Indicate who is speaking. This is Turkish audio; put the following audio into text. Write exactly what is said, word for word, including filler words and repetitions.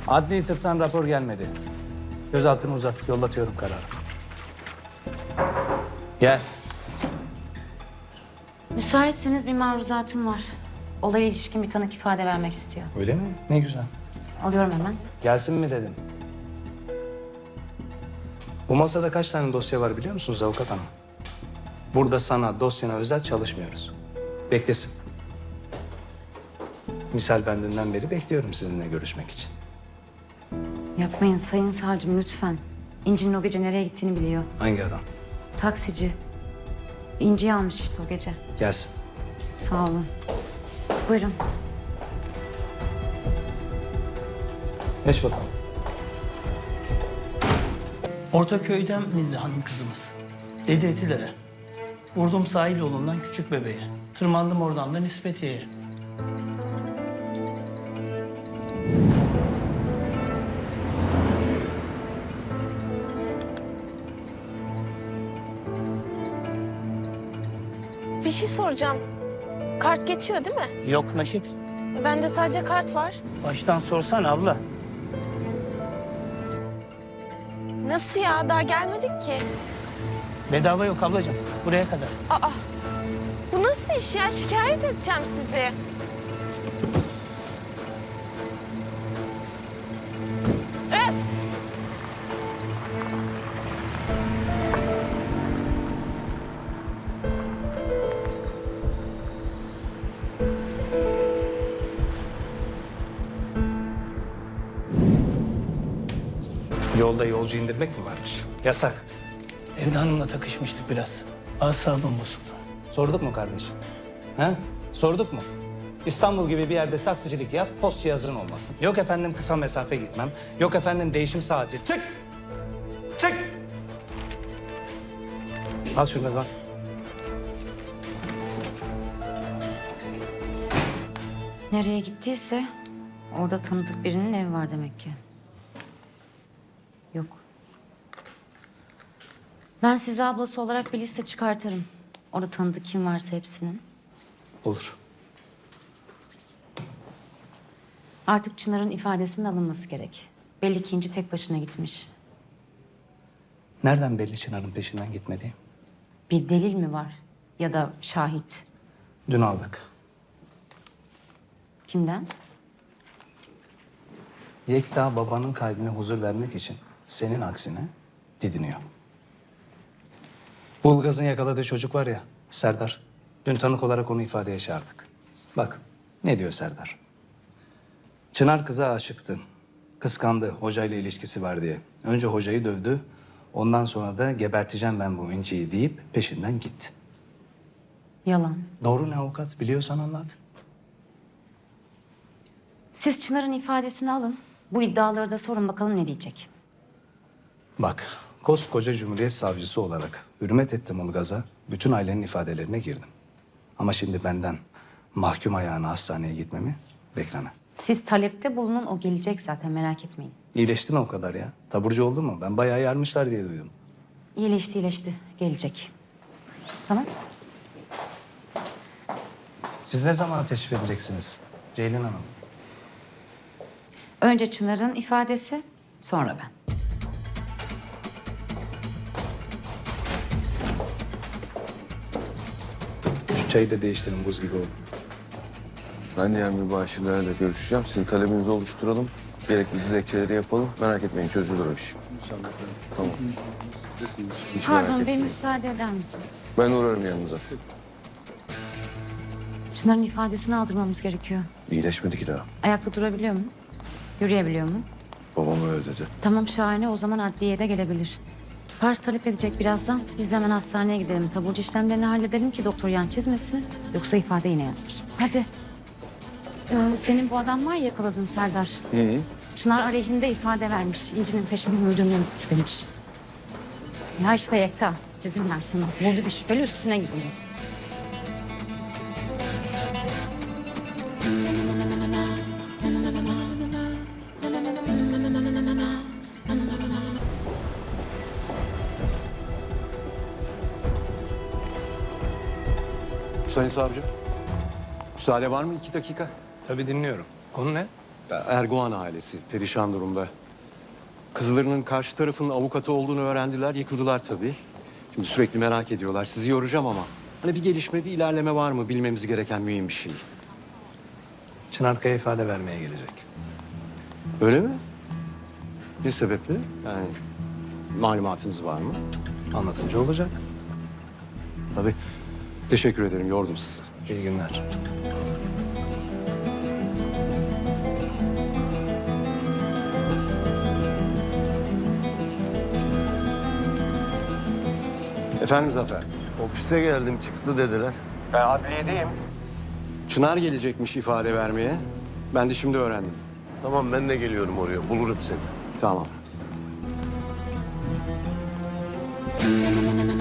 Speaker 1: Adli tıptan rapor gelmedi. Gözaltını uzat, yollatıyorum kararı. Gel.
Speaker 2: Müsaitseniz bir maruzatım var. Olaya ilişkin bir tanık ifade vermek istiyor.
Speaker 1: Öyle mi? Ne güzel.
Speaker 2: Alıyorum hemen.
Speaker 1: Gelsin mi dedim. Bu masada kaç tane dosya var biliyor musunuz avukat hanım? Burada sana, dosyana özel çalışmıyoruz. Beklesin. Misal ben dünden beri bekliyorum sizinle görüşmek için.
Speaker 2: Yapmayın sayın savcım lütfen. İnci'nin o gece nereye gittiğini biliyor.
Speaker 1: Hangi adam?
Speaker 2: Taksici. İnci'yi almış işte o gece.
Speaker 1: Gelsin.
Speaker 2: Sağ olun. Buyurun.
Speaker 1: Geç bakalım.
Speaker 3: Ortaköy'den indi hanım kızımız. Dedi Etilere. Vurdum sahil yolundan küçük bebeğe. Tırmandım oradan da Nispetiye'ye.
Speaker 4: Bir şey soracağım. Kart geçiyor değil mi?
Speaker 3: Yok nakit.
Speaker 4: E, Bende sadece kart var.
Speaker 3: Baştan sorsana abla.
Speaker 4: Nasıl ya? Daha gelmedik ki.
Speaker 3: Bedava yok ablacığım. Buraya kadar.
Speaker 4: Aa, bu nasıl iş ya? Şikayet edeceğim sizi. Öf!
Speaker 1: Yolda yolcu indirmek mi varmış? Yasak.
Speaker 3: Evde hanımla takışmıştık biraz. Asabım bozuldu.
Speaker 1: Sorduk mu kardeşim? He? Sorduk mu? İstanbul gibi bir yerde taksicilik yap, post cihazın olmasın. Yok efendim kısa mesafe gitmem. Yok efendim değişim saati. Çık! Çık! Al şunu kazan.
Speaker 2: Nereye gittiyse orada tanıdık birinin evi var demek ki. Yok. Ben size ablası olarak bir liste çıkartırım. Orada tanıdık kim varsa hepsinin.
Speaker 1: Olur.
Speaker 2: Artık Çınar'ın ifadesinin alınması gerek. Belli ki İnci tek başına gitmiş.
Speaker 1: Nereden belli Çınar'ın peşinden gitmediği?
Speaker 2: Bir delil mi var? Ya da şahit?
Speaker 1: Dün aldık.
Speaker 2: Kimden?
Speaker 1: Yekta babanın kalbine huzur vermek için senin aksine didiniyor. Bulgaz'ın yakaladığı çocuk var ya, Serdar. Dün tanık olarak onu ifadeye çağırdık. Bak, ne diyor Serdar? Çınar kıza aşıktı. Kıskandı, hocayla ilişkisi var diye. Önce hocayı dövdü, ondan sonra da geberteceğim ben bu İnci'yi deyip peşinden gitti.
Speaker 2: Yalan.
Speaker 1: Doğru ne avukat? Biliyorsan anlat.
Speaker 2: Siz Çınar'ın ifadesini alın. Bu iddiaları da sorun bakalım ne diyecek.
Speaker 1: Bak, koskoca Cumhuriyet Savcısı olarak hürmet ettim Ulgaz'a. Bütün ailenin ifadelerine girdim. Ama şimdi benden mahkum ayağına hastaneye gitmemi bekleme.
Speaker 2: Siz talepte bulunun o gelecek zaten merak etmeyin.
Speaker 1: İyileşti mi o kadar ya? Taburcu oldu mu? Ben bayağı yarmışlar diye duydum.
Speaker 2: İyileşti iyileşti gelecek. Tamam.
Speaker 1: Siz ne zaman teşrif edeceksiniz Ceylin Hanım?
Speaker 2: Önce Çınar'ın ifadesi sonra ben.
Speaker 1: Şu çayı da değiştirin, buz gibi oldu.
Speaker 5: Ben diğer mübaşirlerle görüşeceğim. Sizin talebinizi oluşturalım. Gerekli dilekçeleri yapalım. Merak etmeyin, çözülür o iş. İnşallah. Tamam. Hiç merak
Speaker 2: Pardon bir
Speaker 5: etmeyin.
Speaker 2: müsaade eder misiniz?
Speaker 5: Ben uğrarım yanınıza.
Speaker 2: Çınar'ın ifadesini aldırmamız gerekiyor.
Speaker 5: İyileşmedi ki daha.
Speaker 2: Ayakta durabiliyor mu? Yürüyebiliyor mu?
Speaker 5: Babam öyle dedi.
Speaker 2: Tamam şahane o zaman adliyeye de gelebilir. Pars talep edecek birazdan. Biz de hemen hastaneye gidelim. Taburcu işlemlerini halledelim ki doktor yan çizmesin. Yoksa ifade yine yatır. Hadi. Ee, senin bu adam var ya yakaladın Serdar.
Speaker 5: Hı hı.
Speaker 2: Çınar aleyhinde ifade vermiş. İnci'nin peşinden öldürmeye gitti demiş. Ya işte Yekta. Dedim ben sana. Buldu bir şüpheli üstüne gidiyor.
Speaker 6: Sayın Savcı, müsaade var mı iki dakika?
Speaker 1: Tabii dinliyorum. Konu ne?
Speaker 6: Erguvan ailesi perişan durumda. Kızlarının karşı tarafın avukatı olduğunu öğrendiler, yıkıldılar tabii. Şimdi sürekli merak ediyorlar. Sizi yoracağım ama hani bir gelişme, bir ilerleme var mı? Bilmemiz gereken mühim bir şey.
Speaker 1: Çınar Kaya ifade vermeye gelecek.
Speaker 6: Öyle mi? Ne sebeple? Yani malumatınız var mı?
Speaker 1: Anlatınca olacak.
Speaker 6: Tabii. Teşekkür ederim, yordum sizi.
Speaker 1: İyi günler.
Speaker 6: Efendim Zafer?
Speaker 5: Ofise geldim çıktı dediler.
Speaker 6: Çınar gelecekmiş ifade vermeye. Ben de şimdi öğrendim.
Speaker 5: Tamam ben de geliyorum oraya bulurum seni.
Speaker 6: Tamam.